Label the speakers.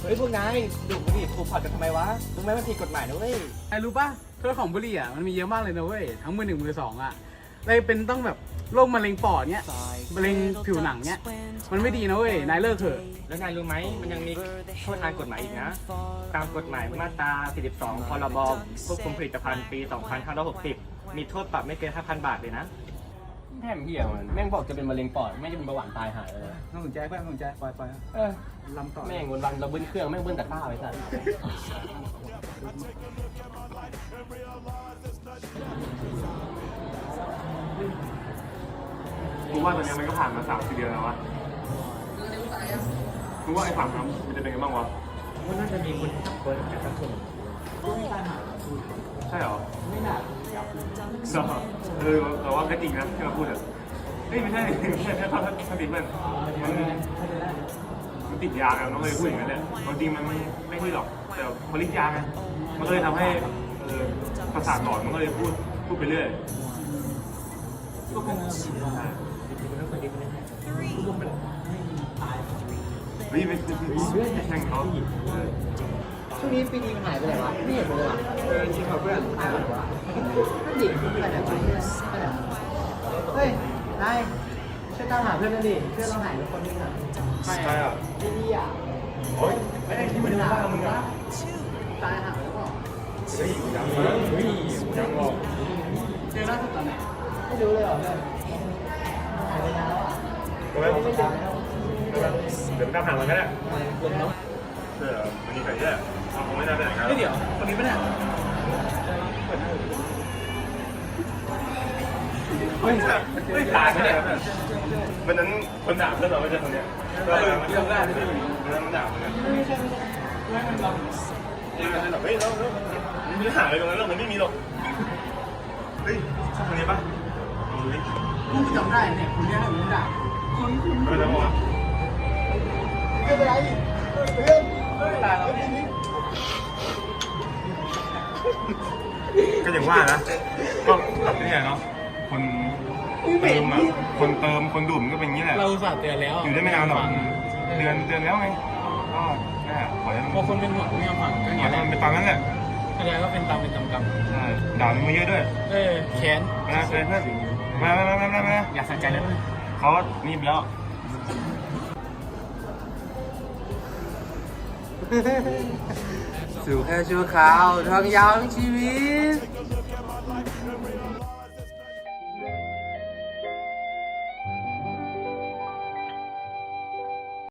Speaker 1: เฮ้ยพวกนายดูดบุหรี่ถูกพอดกันทำไมวะรู้ไหมมันผิดกฎหมายนะเว้ย
Speaker 2: ไอ้รู้ป่ะโทษของบุหรี่อ่ะมันมีเยอะมากเลยนะเว้ยทั้งมือหนึ่งมือสองอ่ะเลยเป็นต้องแบบโรคมะเร็งปอดเนี้ยมะเร็งผิวหนังเนี้ยมันไม่ดีนะเว้ยนายเลิกเถอะ
Speaker 1: แล้วนายรู้ไหมมันยังมีโทษทางกฎหมายอีกนะตามกฎหมายมาตรา 42 พรบควบคุมผลิตภัณฑ์ปี 2560 มีโทษปรับไม่เกิน 5,000 บาทเลยนะ
Speaker 3: แถมเหี้ยมันแม่งบอกจะเป็นมะเร็งปอดไม่จะเป็นเบาหวานตายหายเลย
Speaker 2: ต้องสนใจเพื่อนสนใจปล่อย
Speaker 3: เออ
Speaker 2: ลำต่อ
Speaker 3: แม่งวันๆเราเบิ้ลเครื่องแม่งเบิ้ลแต่ข้าวไอ้สัส
Speaker 4: กูว่าตอนนี้มันก็ผ่านมา3-4 เดือนแล้ววะกูว่าไอ้ฝั่งนั้นมันจะเป็นไงบ้างวะ
Speaker 1: มันน่าจะมีคนเปิดกันทั้งคน
Speaker 4: ใช่เหรอ
Speaker 2: ไม่หนัก
Speaker 4: แต่ว่าก็จริงนะที่เราพูดอะเฮ้ยไม่ใช่ถ้าติดมันติดยาไงมันก็เลยพูดอย่างนั้นแหละจริงมันไม่พูดหรอกแต่พอฤทธิ์ยาไงมันก็เลยทำให้ประสาทหลอนมันก็เลยพูดไปเรื่อย
Speaker 2: ก็คง
Speaker 4: เฮ้ยไม่แช่งเขา
Speaker 1: ช่วงนี้ปีดีมันหายไปไหนวะไม่เห็นเลยว่ะ
Speaker 2: จริงเหรอเพื่อน
Speaker 1: หายไปไหนวะนั่นดิไปไหนวะไปไหนเฮ้ยนายช่วยตามหาเพื่อนหน่อยดิเพื่อนเราหายไปคนนึงอ่ะ
Speaker 4: ใช่อ่ะ
Speaker 1: พี่ดีอ่ะ
Speaker 4: โอ้ยไม่ได้ที่มันจะบ้ามึงอะ
Speaker 1: ตายหาแล้วเปล่า
Speaker 4: เฮ้ยยังหรอก
Speaker 2: เจอล่าสุดตอนไหน
Speaker 1: ไม่รู้เลยเหรอเพื่อนหายไปนานแล้วอ่ะ
Speaker 4: ก็ไม่เดี๋ยวตามหามันก็ได้มันมีใครแย่คงไม่ได้ไปไหนกัน
Speaker 2: เดี๋ยวคนนี้ไม่ได้
Speaker 4: เฮ้ยตายไปเนี่ยวันนั้นคนด่าเพื่อนเราไม่ใช่คนเนี้ยมันด่าเหมือนกันเฮ้ยเราไม่ได้หาอะไรตรงนั้นหรอกมันไม่มีหรอกเฮ้ยใช่คนนี้ปะดูดิ
Speaker 2: กูจำได้เนี่ยคุณเนี่ยผมด่าคุณ
Speaker 4: ไม่ได้ปะวะ
Speaker 1: ไม่เป็นไรเพื่อน
Speaker 2: ตายแล้ว
Speaker 4: ก็อย่างว่านะก็แบบนี้เนาะคนเติมอ่ะคนเติมคนดูดมันก็เป็นอย่างนี้แหละ
Speaker 2: เราอุตส่าห์เตือนแล้ว
Speaker 4: อยู่ได้ไม่นานหรอกเดือนแล้วไงก็แค่ขอให้
Speaker 2: พอคนเป็นห่วงไม่ยอมฟังก็
Speaker 4: ข
Speaker 2: เงี้
Speaker 4: อย ให้
Speaker 2: แหละ
Speaker 4: มันเป็นตามนั้นแหละ
Speaker 2: แสดงว่าเป็นตามเป็นตำกรรม
Speaker 4: ใช่ด่ามึงมาเยอะด้วย
Speaker 2: แค้น
Speaker 4: มาเพื่อนมา
Speaker 2: อยากใส่ใจแล้วมั้ย
Speaker 4: เขานี่แล้ว
Speaker 2: สู่แค่ชั่วคราวทางยาวทั้งชีวิต